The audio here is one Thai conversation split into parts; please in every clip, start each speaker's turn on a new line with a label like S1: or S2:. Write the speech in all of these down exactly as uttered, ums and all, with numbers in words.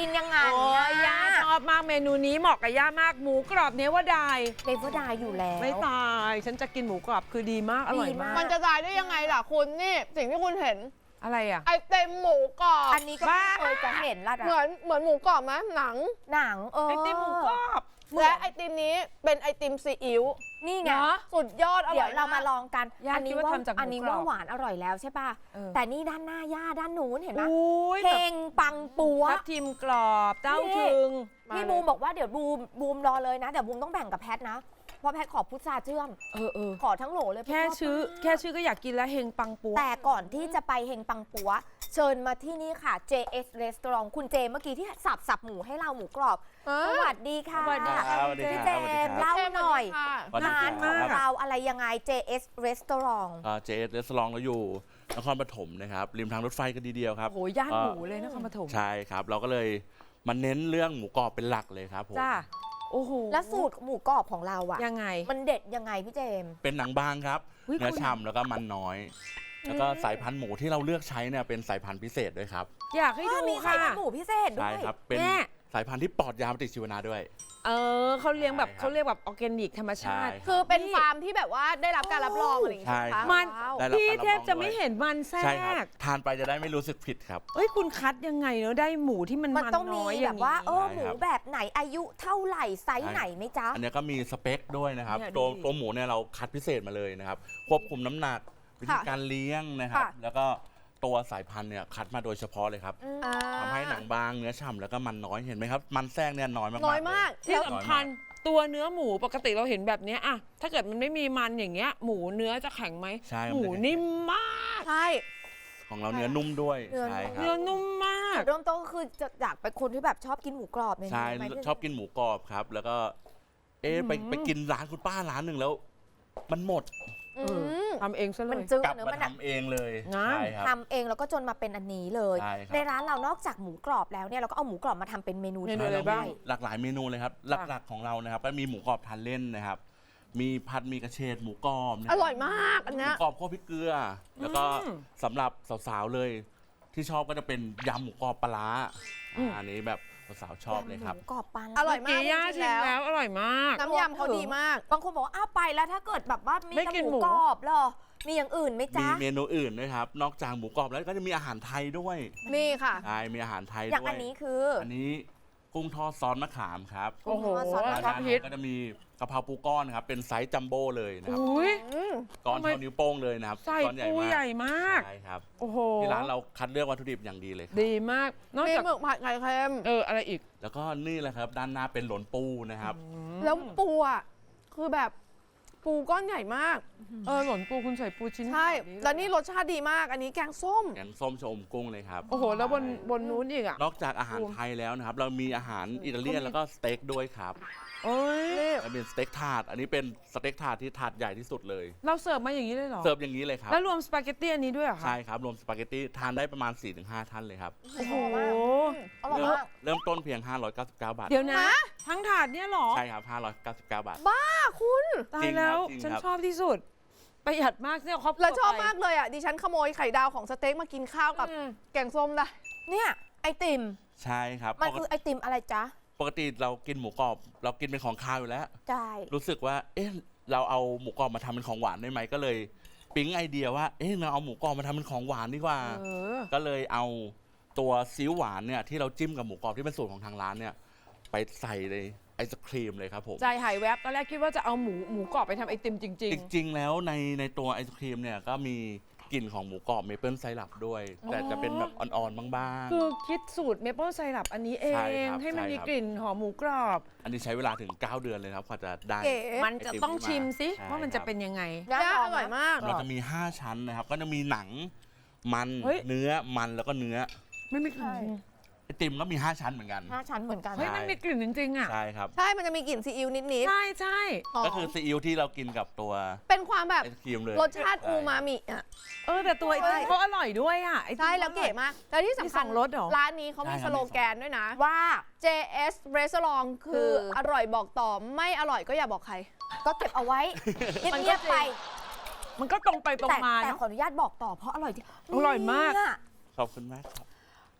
S1: กินยังไง
S2: โอ้ยย่าชอบมากเมนูนี้เหมาะกับย่ามากหมูกรอบเนวดาย
S1: เลเวอร์ดายอยู่แล้ว
S2: ไม่ตายฉันจะกินหมูกรอบคือดีมากอร่อยมาก
S3: มันจะตายได้ยังไงล่ะคุณนี่สิ่งที่คุณเห็น
S2: อะไรอ่ะ
S3: ไอเต็มหมูกรอบ
S1: อันนี้ก็
S2: บ้า
S1: เคยจะเห็นละ
S3: เหมือนเหมือนหมูกรอบไหมหนัง
S1: หนังเออ
S2: ไอติมหมูกรอบ
S3: และไอติมนี้เป็นไอติมซีอิ๊ว
S1: นี่ไง
S2: เนาะ
S3: สุดยอดอร่อย
S1: เดี๋ยวเรามาลองกัน
S2: ย่า
S1: อันี้
S2: คิดว่าทำจากหมู
S1: อันนี้
S2: กรอบ
S1: ว่าหวานอร่อยแล้วใช่ป่ะ
S2: เออ
S1: แต่นี่ด้านหน้าย่าด้านนู้นเห็นไหม
S2: อุ้ย
S1: เพ
S2: แบ
S1: ล
S2: บ
S1: งปังปัว
S2: ทับทิมกรอบเต้าถึง
S1: พี่บูมบอกว่าเดี๋ยวบูมบูมรอเลยนะเดี๋ยวบูมต้องแบ่งกับแพทนะ เพราะแพทขอพุทราเชื่อม
S2: เออเออ
S1: ขอทั้งโหลเลย
S2: แค่
S1: เพราะชบ
S2: ชื่อ
S1: มาก
S2: แค่ชื่อก็อยากกินแล้วเฮงปังปัว
S1: แต่ก่อนที่จะไปเฮงปังปัว เชิญมาที่นี่ค่ะ เจ เอส Restaurant คุณเจเมื่อกี้ที่สับสับหมูให้เราหมูกรอบ
S3: เอ
S1: ส
S3: อ
S1: วัสดีค่ะ
S2: สวัสดีค่ะ
S4: สวัสดี
S1: พี่
S4: ค
S1: เจ
S4: รับสวัสดี
S1: มส์
S4: ครับ
S1: เล่าหน่อย
S4: สวัสดี
S1: ร้าน
S4: ค
S1: ข
S4: รั
S1: อง
S4: บ
S1: เราอะไรยังไง เจ เอส Restaurant
S4: เจเอสเรสลองเราอยู่นครปฐมนะครับริมทางรถไฟกันดีเดียวครับ
S2: โอ้โหย่านหมูเลยนครปฐม
S4: ใช่ครับ เราก็เลยมาเน้นเรื่องหมูกรอบเป็นหลักเลยครับผม
S2: จ้าโอ้โห
S1: แล้วสูตรหมูกรอบของเราอะ
S2: ยังไง
S1: มันเด็ดยังไงพี่เจมส์
S4: เป็นหนังบางครับ
S2: อุ๊ย
S4: เนื้อ
S2: คุณ
S4: ฉ่ำแล้วก็มันน้อย แล้วก็สายพันธุ์หมูที่เราเลือกใช้เนี่ยเป็นสายพันธุ์พิเศษด้วยครับ
S2: อยากให้
S1: อ้าว
S2: ดู
S1: มีไข่
S2: ค่ะ
S1: เป็นหมูพิเศษด้
S4: ใช่
S1: วย
S4: ครับเป็น
S2: แม่
S4: สายพันธุ์ที่ปลอดยาปฏิชีวนะด้วย
S2: เออเขาเลี้ยงแบบ
S4: ใช่ครับ
S2: เขาเรียกแบบออร์แกนิกธรรมชาติ
S4: ใช่
S3: คือเป็นฟาร์มที่แบบว่าได้รับการรับรองอะไรอย่างเงี้ย
S4: ใช่
S3: ใช่ไหม
S2: มัน
S3: คะว้าว
S4: ได้รับ
S2: พี่
S4: การรับ
S2: แทบ
S4: รอง
S2: จะ
S4: ด้วย
S2: ไม่เห็นมันแทร
S4: ใช่ครับ
S2: ก
S4: ทานไปจะได้ไม่รู้สึกผิดครับ
S2: เอ้ยคุณคัดยังไงเนอะได้หมูที่มัน
S1: มัน
S2: มัน
S1: ต้องมี
S2: น้อยอ
S1: แบ
S2: ย่าง
S1: บว่า เอ
S2: นี้
S1: อ
S4: ใช่
S1: หมู
S4: ครับ
S1: แบบไหนอายุเท่าไหร่ไซส์
S4: ใช่
S1: ไหนไหมจ๊ะ
S4: อันนี้ก็มีสเปคด้วยนะครับ
S2: เนี่ย
S4: ตัว
S2: ดูดิ
S4: ตัวหมูเนี่ยเราคัดพิเศษมาเลยนะครับ ควบคุมน้ำหนักวิธีการเลี้ยงนะครับ
S3: ค่ะ
S4: แล้วก็ตัวสายพันธุ์เนี่ยคัดมาโดยเฉพาะเลยครับ
S3: อ่า
S4: ทำให้หนังบางเนื้อฉ่ำแล้วก็มันน้อยเห็นไหมครับ มันแทรกเนี่ยน้อยมากๆ
S3: น้อยมาก
S4: เล
S2: ที่
S4: ย
S2: สำคัญตัวเนื้อหมูปกติเราเห็นแบบเนี้ยอะถ้าเกิดมันไม่มีมันอย่างเงี้ยหมูเนื้อจะแข็งไหม
S4: ใช่ครับ
S2: หมูนิ่มมาก
S3: ใช่
S4: ของเราเนื้อนุ่มด้วย
S1: เนื้อ
S4: ใช่ครั
S2: เนื้อบ นุ่มมาก
S1: จุดเริ่มต้นก็คือจะอยากเป็นคนที่แบบชอบกินหมูกรอบเนี่ย
S4: ใช่
S1: ไหมพี่
S4: ชอบกินหมูกรอบครับ แล้วก็ เอ๊ะไป
S2: อืม
S4: ไปกินร้านคุณป้าร้านหนึ่งแล้ว มันหมด
S3: อืม
S2: ทำเองซะเล
S1: มัน
S2: ย
S1: จืด
S4: กลับ
S1: เนื้อ
S4: มา
S1: มันอะ
S4: ทำเองเลย
S2: งั้น
S4: ใช่ครับ
S1: ทำเองแล้วก็จนมาเป็นอันนี้เลย
S4: ใช่ครับ
S1: ในร้านเรานอกจากหมูกรอบแล้วเนี่ยเราก็เอาหมูกรอบมาทำเป็นเมนู
S2: เมนู
S1: ที่
S2: อะไรบ้าง
S1: ด้
S4: หลากหลายเมนูเลยครับ หลักๆของเรานะครับก็มีหมูกรอบทานเล่นนะครับ มีผัดหมีกระเฉดหมูกรอบนะค
S3: อบ ร่อยมากอัน
S4: ห
S3: เนี้
S4: มู
S3: ย
S4: กรอบคั่วพริกเกลือ แล้วก็
S2: อืม
S4: สำหรับสาวๆเลย ที่ชอบก็จะเป็นยำหมูกรอบปลาร้า
S2: อืม
S4: อ่าอันนี้แบบสาวๆชอบเลยครับ
S1: หมูกรอบปลาร้า
S3: อร่อยมาก
S2: เกีย่า
S3: จริ
S2: ชิ
S3: ง
S2: ม
S3: ๆแล้ว
S2: แล้วอร่อยมาก
S3: น้ำยำเขาดีมาก
S1: บางคนบอกว่าอ้าวไปแล้วถ้าเกิดแบบว่ามี
S2: ไม่
S1: แต่
S2: กิน
S1: ห
S2: หมู
S1: มูกรอบเหรอมีอย่างอื่นไหม
S4: มี
S1: จ๊ะ
S4: เมนูอื่นด้วยครับ นอกจากหมูกรอบแล้วก็จะมีอาหารไทยด้วย
S3: นี่ค่ะ
S4: ใช่ มีอาหารไทย
S1: อย่าง
S4: ด้ว
S1: อั
S4: ย
S1: นนี้คือ
S4: อันนี้กุ้งทอดซอสมะขามครับ
S2: โอ้โห
S1: ซอส
S4: ร้าน
S2: ชอบ
S4: อา
S2: ฮิต
S4: หารก็จะมีกะเพราปูก้อนครับ เป็นไซส์จัมโบ้เลยนะครับ
S2: อุ้ย
S3: อืม
S4: ก้อน
S2: ทำไม
S4: เท่านิ้วโป้งเลยนะครับ
S2: ใส่
S4: ก้อนใหญ่
S2: ปู
S4: มาก
S2: ใหญ่มาก
S4: ใช่ครับ
S2: โอ้โห
S4: ที่ร้านเราคัดเลือกวัตถุดิบอย่างดีเลยครับ
S2: ดีมาก นอก
S3: มี
S2: จาก
S3: หมึกผัดไข่เค็ม
S2: เอออะไรอีก
S4: แล้วก็นี่แหละครับ ด้านหน้าเป็นหลนปูนะครับ
S3: แล้วปูอ่ะคือแบบปูก้อนใหญ่มาก
S2: เออหล่นปูคุณใส่ปูชิ้น
S3: ใช่
S2: บบ
S3: แล้วนี่รสชาติดีมาก อันนี้แกงส้ม
S4: แกงส้มชะอมกุ้งเลยครับ
S2: โอ้โห แล้วบนบนนู้นอีกอ่ะ
S4: นอกจากอาหารไทยแล้วนะครับ เรามีอาหารอิตาเลียนแล้วก็สเต็กด้วยครับ
S2: โอ้ย
S4: อันเป็นสเต็กถาด อันนี้เป็นสเต็กถาดที่ถาดใหญ่ที่สุดเลย
S2: เราเสิร์ฟมาอย่างนี้เลยเหรอ
S4: เสิร์ฟอย่างนี้เลยครับ
S2: แล้วรวมสปาเกตตี้อันนี้ด้วยเหรอคะ
S4: ใช่ครับ รวมสปาเกตตี้ทานได้ประมาณ สี่ถึงห้า ท่านเลยครับ
S2: โอ้โห
S1: อร่อย
S4: เริ่ม
S1: มาก
S4: เริ่มต้นเพียง ห้าร้อยเก้าสิบเก้า บาท
S2: เดี๋ยวนะ
S3: ฮะ
S2: ทั้งถาดเนี่ยเหรอ
S4: ใช่ครับ ห้าร้อยเก้าสิบเก้า บาท
S3: อ่ะคุณ
S2: ตา
S4: จริ
S2: ย
S4: ง
S2: แล้ว
S4: ครับจริง
S2: ฉัน
S4: ครับ
S2: ชอบที่สุด ประหยัดมากเนี่ยครอบครัว
S3: แล้วชอบ
S2: ไป
S3: มากเลยอ่ะ ดิฉันขโมยไข่ดาวของสเต็กมากินข้าวกับ
S2: อืม
S3: แกงส้มได้
S1: เนี่ยไอติม
S4: ใช่ครับ
S1: มัน
S4: ปก
S1: คือ
S4: ติ
S1: ไอติมอะไรจ๊ะ
S4: ปกติเรากินหมูกรอบ เรากินเป็นของคาวอยู่แล้ว
S1: ใช่
S4: รู้สึกว่า เอ๊ะ เราเอาหมูกรอบมาทำเป็นของหวานได้ไหม ก็เลยปิ๊งไอเดียว่า เอ๊ะ เราเอาหมูกรอบมาทำเป็นของหวานดีกว่า
S2: เออ
S4: ก็เลยเอาตัวซีอิ๊วหวานเนี่ยที่เราจิ้มกับหมูกรอบที่เป็นสูตรของทางร้านเนี่ยไปใส่เลยไอศครีมเลยครับผม
S2: ใจหายแวบตอนแรกคิดว่าจะเอาหมูหมูกรอบไปทำไอติมจริง
S4: จริงๆ แล้วในในตัวไอศครีมเนี่ยก็มีกลิ่นของหมูกรอบเมเปิลไซรัปด้วย แต่จะเป็นแบบอ่อนๆ บ้าง
S2: ๆ คือคิดสูตรเมเปิลไซรัปอันนี้เอ
S4: ใช่
S2: ง
S4: ครับ
S2: ให้มัน
S4: ใช่
S2: มี
S4: ครับ
S2: กลิ่นหอมหมูกรอบ
S4: ๆ อันนี้ใช้เวลาถึง เก้า เดือนเลยครับกว่าจะได้
S3: เก๋
S2: มันจะต้องชิมสิ
S4: ใช่
S2: ว่ามันจะเป็นยังไง
S1: ย่า
S3: ย่า
S1: ล
S3: อ
S1: อง
S3: ร่อย
S1: นะ
S3: มาก
S4: เราจะมี ห้า ชั้นนะครับ ก็จะมีหนังมัน
S2: เฮ้ย
S4: เนื้อมันแล้วก็เนื้อ
S2: ไม่มีกลิ่น
S1: ใช่
S4: ไอติมก็มี ห้า ชั้นเหมือนกัน
S1: ห้าชั้นเหมือนกัน
S2: เฮ้ยมันมีกลิ่นจริงๆอ่ะ
S4: ใช่ครับ
S3: ใช่ มันจะมีกลิ่นซีอิ๊วนิด
S2: ใช่ใช่
S3: ๆหอม
S4: ก็คือซีอิ๊วที่เรากินกับตัว
S3: เป็นความแบบ
S4: ไอศครีมเลย
S3: รสชาติอูมามิอ่ะ
S2: เออแต่ตัวไอติมก็อร่อยด้วยอ่ะไอติม
S3: ใช่แล้วเก๋มาก แล้วที่สำคัญ
S2: มีสองรสเหรอ
S3: ร้านนี้เขามีสโลแกนด้วยนะ
S1: ว่า
S3: เจ เอส Restaurant คือ
S1: คือ
S3: อร่อยบอกต่อไม่อร่อยก็อย่าบอกใคร
S1: ก็เก็บเอาไว้เงียบๆไป
S2: มันก็ตรงไปตรง
S1: แต่
S2: มา
S1: แต่
S2: เนาะ
S1: ขออนุญาตบอกต่อเพราะอร่อยจริง
S2: อร่อยมาก
S1: เนี่ย
S4: ขอบคุณมากครับ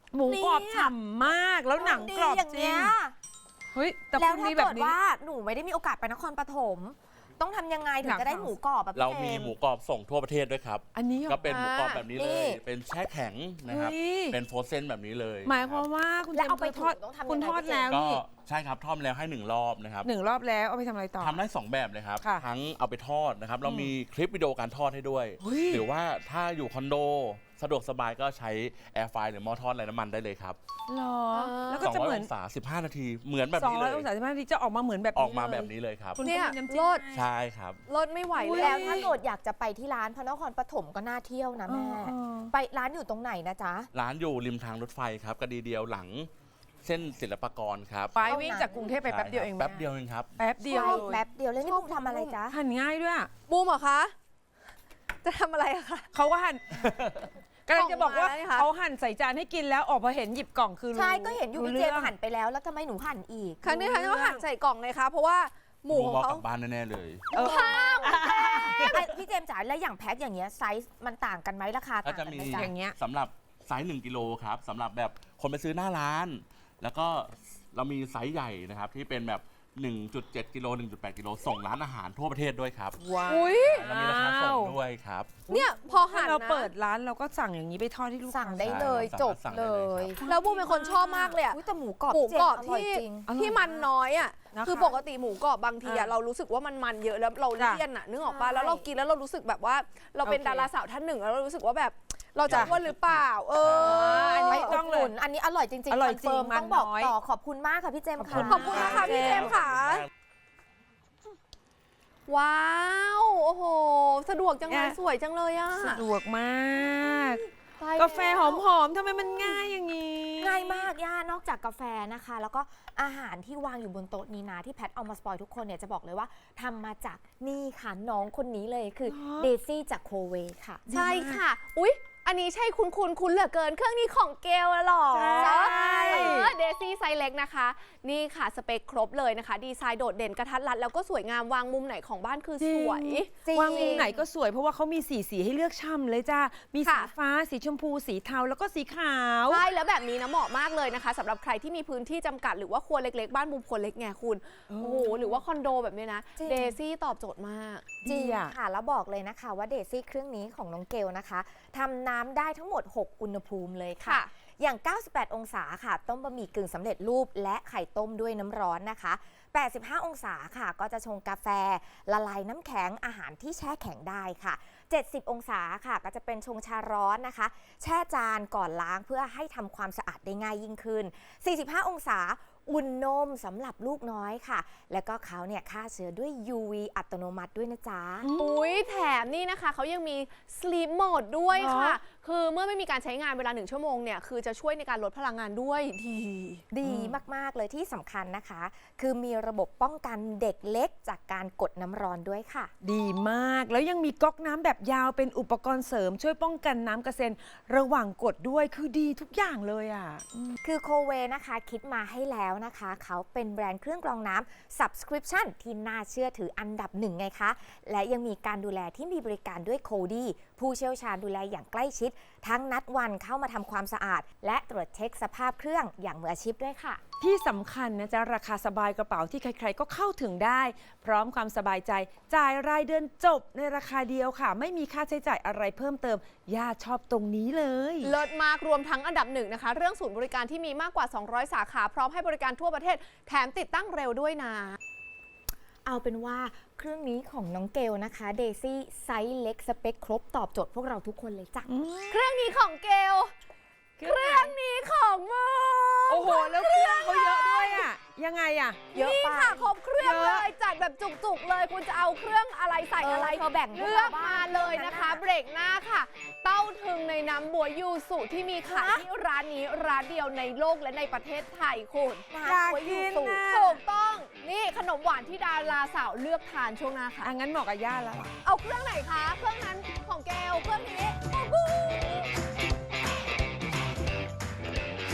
S2: หมูกรอบฉ่ำมากแล้วหนังกรอบ
S1: ดีอย่าง
S2: จริ
S1: เงี้
S2: ง
S1: ย
S2: เฮ้ยแต่
S1: แล้ว
S2: คุณ
S1: ถ้า
S2: มีแบ
S1: เกิ
S2: บ
S1: ด
S2: นี้
S1: ว่าหนูไม่ได้มีโอกาสไปนครปฐมต้องทำยังไงถึงจะได้หมูกรอบแบบพี่
S4: เรา
S1: เจ
S4: มี
S1: มส์
S4: หมูกรอบส่งทั่วประเทศด้วยครับ
S2: อันนี้หรอ
S4: ก็เป็นหมูกรอบแบบนี้เล
S1: นี่
S4: ย เป็นแช่แข็งนะครับ
S2: เฮ้ย
S4: เป็นโฟรเซนแบบนี้เลย
S2: หมายความว่าคุณ
S1: แล้วเอาไป
S2: ทอด
S1: ถูต้องทำยังไง
S2: คุณทอดแล้ว
S4: ก็
S2: นี่
S4: ใช่ครับทอดแล้วให้หนึ่งรอบนะครับ
S2: หนึ่งรอบแล้วเอาไปทำอะไรต่อ
S4: ทำได้สองแบบเลยครับ
S2: ค่ะ
S4: ทั้งเอาไปทอดนะครับ เรามีคลิปวิดีโอการทอดให้ด้วย
S2: เฮ้ย
S4: หรือว่าถ้าอยู่คอนโดสะดวกสบายก็ใช้แอร์ไฟหรือหม้อทอดไร้น้ำมันได้เลยครับ
S2: หรอ
S3: เออ
S2: แล้วก็จะ
S4: สอง
S2: เห
S4: ร้อย
S2: มือน
S4: องศาสิบห้านาทีเหมือนแบบ
S2: สอง
S4: นี้
S2: ร้
S4: เล
S2: อย
S4: ย
S2: องศาสิบห้านาทีจะออกมาเหมือนแบบ
S4: ออกมา
S2: ล
S4: แบบนี้เลยครับ
S2: คุณ
S3: เนี่ย
S2: ก็มีน้ำจิ้ม
S3: รส
S2: ให้
S4: ใช่ครับ
S3: รสไม่ไหว
S2: อุ๊ย
S3: เลย
S1: แล้วถ้าเกิดอยากจะไปที่ร้านพระนครปฐมก็น่าเที่ยวนะแม่
S2: เออเออ
S1: ไปร้านอยู่ตรงไหนนะจ๊ะ
S4: ร้านอยู่ริมทางรถไฟครับกระดีเดียวหลังเส้นศิลปากรครับ
S2: ไปวิ่งจากกรุงเทพไปแป๊บเดียวเอง
S4: แป๊บเดียวเองครับ
S2: แป๊บเดียว
S1: ใช่
S2: เลย
S1: แป๊บเดียวแล้วนี่บุ้มทำอะไรจ๊ะ
S2: หั่นง่ายด้วยอะ
S3: บูมเหรอคะ จะทำอะไรอะคะ
S2: เขาก็หั่นกำลังจะบอกว่า
S3: ออกมาแล้วนี่คะ
S2: เขาหั่นใส่จานให้กินแล้วออกมาเห็นหยิบกล่องคือรู้
S1: ใช่ก็เห็นอยู่
S2: รู้
S1: พี่เจม
S2: รื่อง
S1: ส์หั่นไปแล้วแล้วทำไมหนูหั่นอีก
S3: ครั้งนี้ครั้งนี้เขาหั่นใส่กล่องเลยคะเพราะว่าหมู
S4: ดู
S3: ของ
S4: บอก
S3: เขา
S4: กลับบ้านแน่ๆเลย
S2: เออ
S1: ไอ้พี่เจมส์จ๋าแล้วอย่างแพ็คอย่างเงี้ยไซส์มันต่างกันไหมราคา
S4: ก็
S1: ต่าง
S4: จะ
S1: กัน
S4: มี
S1: ไหมจ๊ะ
S2: อย่างเงี้ย
S4: สำหรับไซส์หนึ่งกิโลครับสำหรับแบบคนไปซื้อหน้าร้าน แล้วก็เรามีไซส์ใหญ่นะครับ ที่เป็นแบบ หนึ่งจุดเจ็ด กิโล หนึ่งจุดแปด กิโลส่งร้านอาหารทั่วประเทศด้วยครับ
S2: ว้าว
S3: อุ้ย
S4: แล้วมีราคาส่งด้วยครับ
S3: เนี่ยพอ
S2: ถ้า
S3: หั่น
S2: เรา
S3: นะ
S2: เปิดร้านเราก็สั่งอย่างนี้ไปทอดที่ลูกค้า
S1: สั่งได้เลย
S4: ใช่
S1: จบ
S4: สั่ง
S1: เล
S4: ได้เลย
S1: ย
S4: ครับ
S3: แล้วบูมเป็นคนชอบมากเลยอะ
S1: อุ๊ยแต่หมูกรอบ
S3: หมู
S1: พี่เจ
S3: กร
S1: ม
S3: อบ
S1: ส์อร่อย
S3: ที่
S1: จริง
S2: อร่อย
S3: ที่มันน้อยอ่ะ
S2: นะคะ
S3: คือปกติหมูกรอบบางทีอ่ะ
S2: อ่ะ
S3: เรารู้สึกว่ามันมันเยอะแล้วเรา
S2: จ้ะ
S3: เลี่ยนอ่ะนึกออกปะ
S1: ใช่
S3: แล้วเรากินแล้วเรารู้สึกแบบว่า เราเป็น
S2: โอเค
S3: ดาราสาวท่านหนึ่งแล้วเรารู้สึกว่าแบบเราจะ
S2: จ้ะ
S3: อ้วนหรือเปล่า เออ
S2: อันนี้
S1: ไป
S2: ต้
S1: อุ
S2: อง
S1: ดห
S2: เลย
S1: นุนอันนี้อร่อยจริงๆ
S2: อร่อยจริง
S1: คอนเฟิ
S2: มัน
S1: ต้องบอก
S2: น้อย
S1: ต่อขอบคุณมากค่ะพี่เจมส์ค่ะ
S3: ขอบคุณนะคะพี่เจมส์ค่ะ ว้าว โอ้โห สะดวกจังเลยสวยจังเลยอ่ะ
S2: สะดวกมาก
S3: ตายแล้ว
S2: กาแฟหอมๆทำไมมันง่ายอย่างนี้
S1: ง่ายมากย่านอกจากกาแฟนะคะ แล้วก็อาหารที่วางอยู่บนโต๊ะนี้นะที่แพทเอามาสปอยทุกคนเนี่ยจะบอกเลยว่าทำมาจากนี่ค่ะน้องคนนี้เลยคือ
S2: เหรอ
S1: เดซี่จากโคเวค่ะ
S3: ใช่ค่ะ อุ๊ย อันนี้ใช่คุณคุณคุณเหลือเกิน เครื่องนี้ของเกลอะหรอ
S2: ใช่
S3: เดซี่ไซส์เล็กนะคะ นี่ค่ะสเปคครบเลยนะคะ ดีไซน์โดดเด่นกระทัดรัดแล้วก็สวยงามวางมุมไหนของบ้านคือสวย
S1: จริง
S2: วางมุมไหนก็สวยเพราะว่าเขามีสีสีให้เลือกช่ำเลยจ้า มีสี
S3: ค่ะ
S2: ฟ้า สีชมพู สีเทา แล้วก็สีขาว
S3: ใช่แล้วแบบนี้นะเหมาะมากเลยนะคะสำหรับใครที่มีพื้นที่จำกัดหรือว่าครัวเล็กๆ บ้านมุมครัวเล็กไงคุณ
S2: เออ
S3: โอ้โห หรือว่าคอนโดแบบนี้นะ
S1: จริง
S3: เดซี่ตอบโจทย์มาก
S1: จริง
S2: ดีอะ
S1: ค่ะ แล้วบอกเลยนะคะว่าเดซี่เครื่องนี้ของน้องเกลนะคะทำน้ำได้ทั้งหมด หก อุณหภูมิเลยค่ะ
S3: ค่ะ
S1: อย่าง เก้าสิบแปด องศาค่ะ ต้มบะหมี่กึ่งสำเร็จรูปและไข่ต้มด้วยน้ำร้อนนะคะ แปดสิบห้า องศาค่ะ ก็จะชงกาแฟ ละลายน้ำแข็งอาหารที่แช่แข็งได้ค่ะ เจ็ดสิบ องศาค่ะ ก็จะเป็นชงชาร้อนนะคะ แช่จานก่อนล้างเพื่อให้ทำความสะอาดได้ง่ายยิ่งขึ้น สี่สิบห้า องศา อุ่นนมสำหรับลูกน้อยค่ะ แล้วก็เขาเนี่ยฆ่าเชื้อด้วย ยู วี อัตโนมัติด้วยนะจ๊ะ
S3: อุ้ยแถมนี่นะคะเขายังมี sleep mode ด้วย
S2: เหรอ
S3: ค่ะ คือเมื่อไม่มีการใช้งานเวลาหนึ่งชั่วโมงเนี่ยคือจะช่วยในการลดพลังงานด้วยดี
S1: ดีมาก ๆ เลยที่สำคัญนะคะ คือมีระบบป้องกันเด็กเล็กจากการกดน้ำร้อนด้วยค่ะ
S2: ดีมาก แล้วยังมีก๊อกน้ำแบบยาวเป็นอุปกรณ์เสริม ช่วยป้องกันน้ำกระเซ็นระหว่างกดด้วย คือดีทุกอย่างเลยอ่ะ
S1: คือโคเวนะคะคิดมาให้แล้วนะคะ เขาเป็นแบรนด์เครื่องกรองน้ำ subscription ที่น่าเชื่อถืออันดับหนึ่งไงคะ และยังมีการดูแลที่มีบริการด้วยโคดีผู้เชี่ยวชาญดูแลอย่างใกล้ชิด ทั้งนัดวันเข้ามาทำความสะอาด และตรวจเช็คสภาพเครื่องอย่างมืออาชีพด้วยค่ะ
S2: ที่สำคัญนะจ๊ะราคาสบายกระเป๋าที่ใครๆ ก็เข้าถึงได้ พร้อมความสบายใจ จ่ายรายเดือนจบในราคาเดียวค่ะ ไม่มีค่าใช้จ่ายอะไรเพิ่มเติม ย่าชอบตรงนี้เลย
S3: เลิศมากรวมทั้งอันดับหนึ่งนะคะ เรื่องศูนย์บริการที่มีมากกว่า สองร้อย สาขา พร้อมให้บริการทั่วประเทศ แถมติดตั้งเร็วด้วยนะ
S1: เอาเป็นว่าเครื่องนี้ของน้องเกลนะคะเดซี่ไซส์เล็กสเปคครบตอบโจทย์พวกเราทุกคนเลยจ้ะ
S3: เครื่องนี้ของเกล เครื่องนี้ของโม
S2: โอ้โห แล้วเครื่องเขาเยอะด้วยอ่ะ ยังไงอ่ะ
S1: เยอะ
S3: นี่
S1: ไป
S3: ค่ะครบเครื่อง
S2: เย
S3: เล
S2: อะ
S3: ยจัดแบบจุกๆเลยคุณจะเอาเครื่องอะไรใส่อะไร
S1: เออเธอแบ่งพวก
S3: เลื
S1: เรา
S3: อก
S1: บ้าง
S3: มาเลยนะคะ
S1: เรื่องนั้นน่ะ
S3: เบรกหน้าค่ะ เต้าถึงในน้ำบัวยูสุที่มีขายที่ร้านนี้ร้านเดียวในโลกและในประเทศไทยคุณ
S1: นะ
S2: อยาก
S1: ไว้อยู่
S2: กิน
S1: สูง
S2: น่ะ
S3: ถูกต้องนี่ขนมหวานที่ดาราสาวเลือกทานช่วงหน้าค่ะ
S2: อ่ะงั้นเหมาะกับย่าแล้ว
S3: เอาเครื่องไหนคะ เครื่องนั้นของเกลเครื่อง